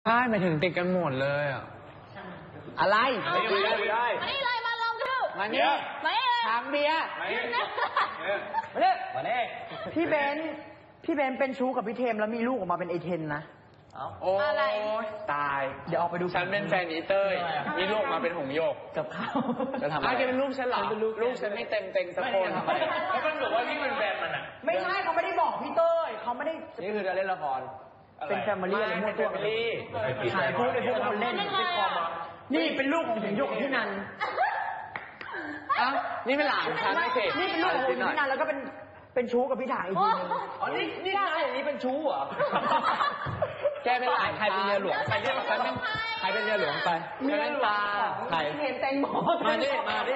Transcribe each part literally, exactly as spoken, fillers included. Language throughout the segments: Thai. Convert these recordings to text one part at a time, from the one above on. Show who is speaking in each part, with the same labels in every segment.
Speaker 1: ช่หมายถึงติดกันหมดเลยอ่ะอะไร
Speaker 2: ไม่ได้ไม่ได้
Speaker 3: มานี่เลยมาลองดู
Speaker 1: มาเนี่ย
Speaker 3: มานี่เลย
Speaker 1: ทางเบียร์
Speaker 2: มาเนี่ย
Speaker 4: มาเนี่ย
Speaker 2: มาเนี่ย
Speaker 4: พี่เบนพี่เบนเป็นชู้กับพี่เทมแล้วมีลูกออกมาเป็นไอเทนนะ
Speaker 1: โอ้ยตาย
Speaker 4: เดี๋ยวออกไปดู
Speaker 1: ฉันเป็นแฟนอีเต้ยมีลูกมาเป็นหงโยก
Speaker 4: กับเขา
Speaker 1: จะทำอะไรเป็นลูกฉันเหรอลูกฉันไม่เต็มเต็งสักคน
Speaker 2: แล้วมันบอกว่านี่เป็นแฟนมันอ่ะ
Speaker 4: ไม่ใช่เขาไม่ได้บอกพี่เต้ยเขาไม่ได้
Speaker 1: นี่คือจะเล่นละคร
Speaker 4: เป็นแฟมิลี่อะไรมั่วตัวถ่ายพูดในพวกคนเล่นนี่เป็นลูกของหงโยกพี่นัน
Speaker 1: อ้าวนี่เป็นหลานฉันไม่ใช่
Speaker 4: นี่เป็นลูกของพี่นันแล้วก็เป็นเป็นชู้กับพี่ถ่ายอีกทีนึง
Speaker 2: อ๋อนี่นี่ได้อย่างนี้เป็นชู้เหรอ
Speaker 1: แกเป็นหลานใครเป็นเมียหลวงไปเรียกฉันเป็นใครเป็นเมียหลวงไปเมียหลวงใคร
Speaker 4: เห็นแตงโม
Speaker 1: มาดิมาดิ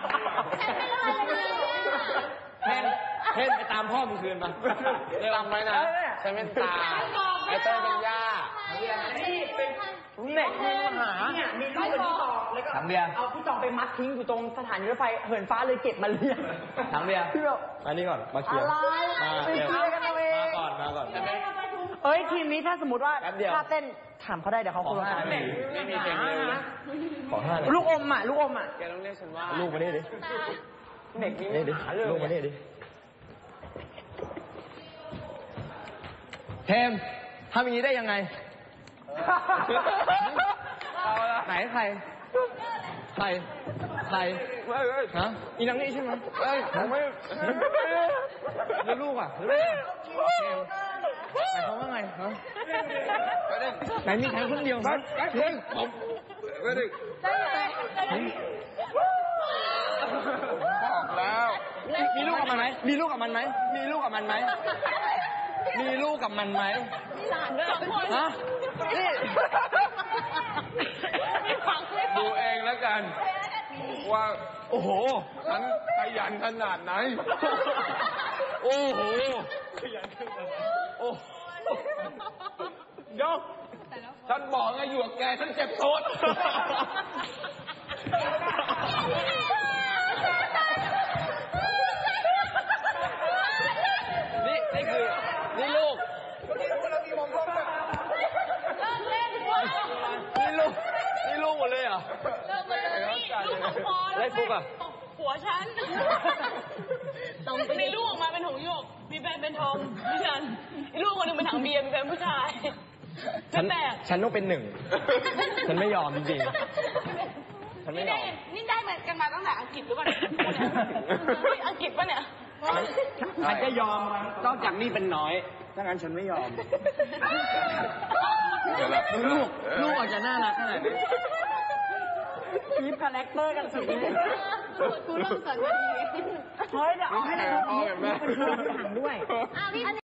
Speaker 1: เพ่นเพ่นไปตามพ่อมึงคืนมาจำไว้นะฉันเป็นตาไอ้เต้ยเป็นย่า
Speaker 4: นี่เป็นเด็กมีปัญหาเนี่ยมีลูกกับพี่ตองแล้วก็เอาพี่ตองไปมัดทิ้งอยู่ตรงสถานีรถไฟเหินฟ้าเลยเก็บมาเลี้ยง
Speaker 1: ถังเบียร์มานี่ก่อนมาเคลียร์
Speaker 4: มาเดี๋ยว
Speaker 1: มาก่อนมาก่อน
Speaker 4: เอ้ยทีมนี้ถ้าสมมติว่าถ้าเต้นถามเขาได้เดี๋ยวเขาคุยกัน
Speaker 1: ไม่มีเพลงเลยนะ
Speaker 4: ขอห้าลูกอมอ่ะลูกอมอ่ะ
Speaker 1: แกต้องเรียกฉันว่า
Speaker 4: ลูกมาดิดิเด็กนี่ดิลูกมาดิดิ
Speaker 1: เทมทำอย่างนี้ได้ยังไงไหนใครใครใครฮะอีนังนี่ใช่ไหมเอ้ยผมไม่แล้วลูกอ่ะหมายความว่าไงฮะไหนมีใครคนเดียวครับเฮ้ยผมไม่ได้บอกแล้วมีลูกกับมันไหมมีลูกกับมันไหมมีลูกกับมันไหมมีลูกกับมันไหม
Speaker 3: มีหลานด้วย
Speaker 1: ฮะนี่ดูเองแล้วกันว่าโอ้โหฉันขยันขนาดไหนโอ้โหขยันขนาดไหนโอ้ยกฉันบอกไงอยู่กับแกฉันเจ็บโทษนี่นี่คือนี่ลูกนี่ลูกนี่ลูกหมดเลยเหรอ
Speaker 3: ลูกของพอ
Speaker 1: แล้วฟุกอ่ะ
Speaker 3: หัวฉันมีลูกออกมาเป็นหงโยกมีแฟนเป็นทอมพี่ฉันลูกคนหนึ่งเป็นถังเบียร์มีแฟนผู้ชาย
Speaker 1: ฉันฉันต้องเป็นหนึ่งฉันไม่ยอมจริงๆฉันไม่ยอม
Speaker 3: นี่ได้มากันมาตั้งแต่อังกฤษหรือเปล่าอังกฤษป่ะเนี่ย
Speaker 1: ฉันจะยอมนอกจากนี่เป็นน้อยถ้างั้นฉันไม่ยอมลูกลูกอาจจะน่ารักขนาดนี้
Speaker 4: คีปคาแรคเตอร์กันสุดเลย
Speaker 3: กูเริ่มสนใจดี
Speaker 4: เฮ้ยเดี๋ยวเอาให้เราเป็นคนถังด้วย